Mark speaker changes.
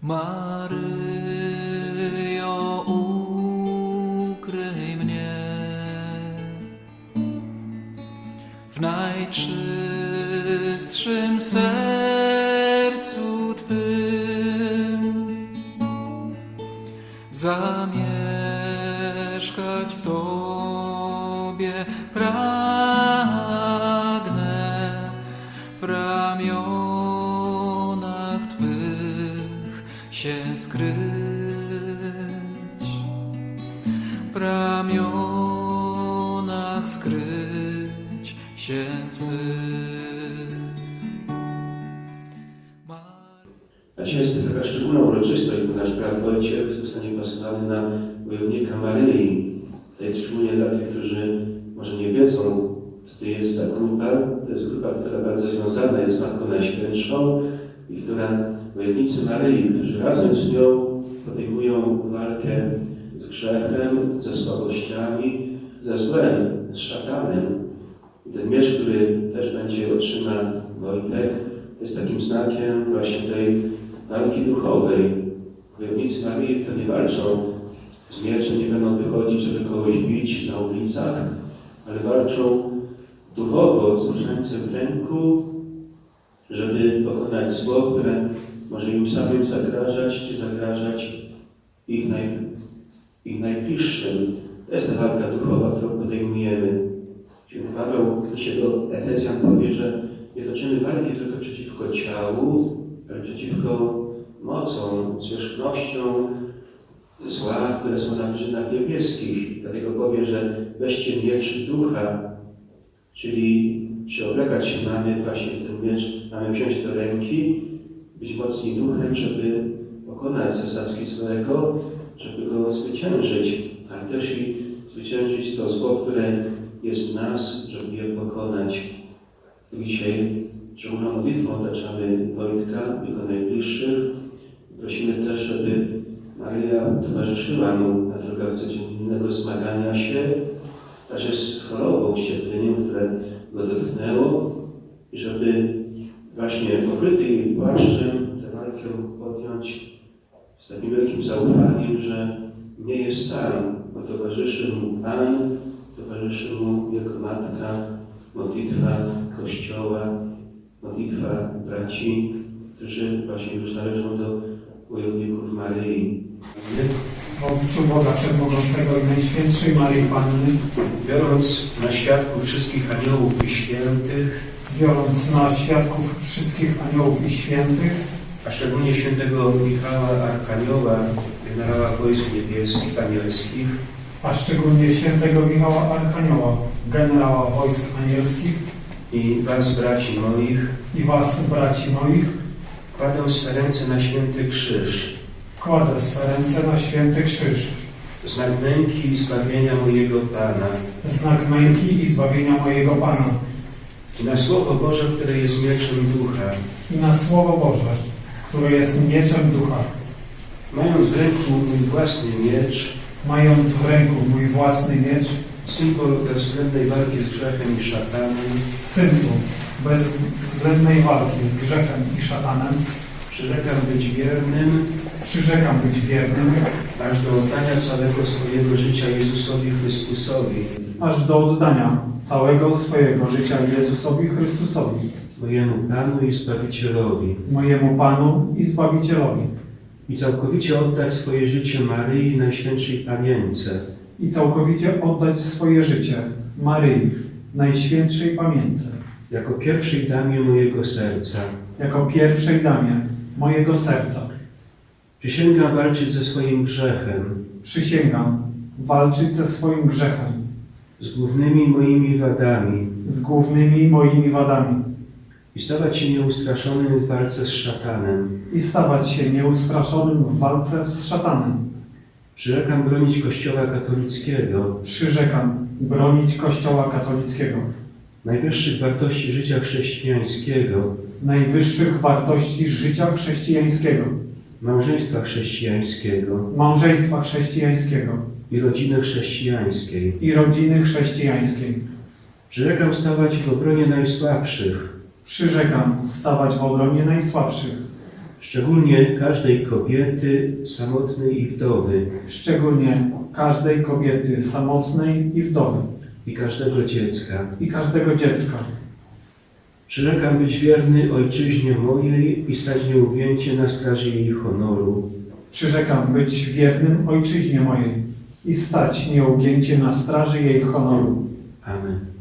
Speaker 1: Maryjo, ukryj mnie w najczystszym sercu Twym, zamieszkać w Tobie pragnę, w ramionach Twych się skryć, w ramionach skryć się Twych.
Speaker 2: A dzisiaj jest taka szczególna uroczystość, bo nasz brat Wojciech zostanie pasowany na wojownika Maryi. To jest szczególnie dla tych, którzy może nie wiedzą, co to jest za grupa. To jest grupa, która bardzo związana jest z Matką Najświętszą i która wojownicy Maryi, którzy razem z nią podejmują walkę z grzechem, ze słabościami, ze złem, z szatanem. I ten miecz, który też będzie otrzyma Wojtek, jest takim znakiem właśnie tej walki duchowej. Wojownicy Maryi to nie walczą z mieczem, nie będą wychodzić, żeby kogoś bić na ulicach, ale walczą duchowo, z różańcem w ręku, żeby pokonać zło, które może im samym zagrażać, czy zagrażać ich najbliższym. To jest ta walka duchowa, którą podejmujemy. Święty Paweł się do Efezjan powie, że nie toczymy walki tylko przeciwko ciału, ale przeciwko mocom, zwierzchnościom zła, które są na wyżynach niebieskich. Dlatego powie, że weźcie miecz ducha, czyli przyoblekać się mamy właśnie w ten miecz, mamy wziąć do ręki, być mocni duchem, żeby pokonać zasadzki złego, żeby go zwyciężyć, ale też i zwyciężyć to zło, które jest w nas, żeby je pokonać. Dzisiaj szczególną modlitwą otaczamy Wojtka, jego najbliższych. Prosimy też, żeby Maryja towarzyszyła mu na drogach codziennego zmagania się, także z chorobą, cierpieniem, które go dotknęło, i żeby właśnie pokryty jej płaszczem tę walkę podjąć z takim wielkim zaufaniem, że nie jest sam, bo towarzyszy mu Pan, towarzyszy mu jego Matka, modlitwa Kościoła, modlitwa braci, którzy właśnie już należą do wojowników Maryi.
Speaker 3: W obliczu Boga Wszechmogącego i Najświętszej Maryi Panny,
Speaker 2: Biorąc na świadków wszystkich aniołów i świętych,
Speaker 3: i świętych,
Speaker 2: a szczególnie świętego Michała Arkanioła, generała wojsk niebieskich, anielskich,
Speaker 3: generała wojsk anielskich,
Speaker 2: i was, braci moich, kładę swe ręce na święty krzyż, znak męki i zbawienia mojego Pana, i na Słowo Boże, które jest mieczem ducha, mając w ręku mój własny miecz, symbol bezwzględnej walki z grzechem i szatanem, przyrzekam być wiernym, aż do oddania całego swojego życia Jezusowi Chrystusowi, mojemu Panu i Zbawicielowi, i całkowicie oddać swoje życie Maryi Najświętszej Pamięce, jako pierwszej damie mojego serca. Przysięgam walczyć ze swoim grzechem, z głównymi moimi wadami, i stawać się nieustraszonym w walce z szatanem. Przyrzekam bronić Kościoła katolickiego, najwyższych wartości życia chrześcijańskiego, małżeństwa chrześcijańskiego i rodziny chrześcijańskiej. Przyrzekam stawać w obronie najsłabszych, szczególnie każdej kobiety samotnej i wdowy
Speaker 3: szczególnie każdej kobiety samotnej i wdowy
Speaker 2: i każdego dziecka.
Speaker 3: i każdego dziecka.
Speaker 2: Przyrzekam być wierny ojczyźnie mojej i stać nieugięcie na straży jej honoru.
Speaker 3: Przyrzekam być wiernym ojczyźnie mojej i stać nieugięcie na straży jej honoru.
Speaker 2: Amen.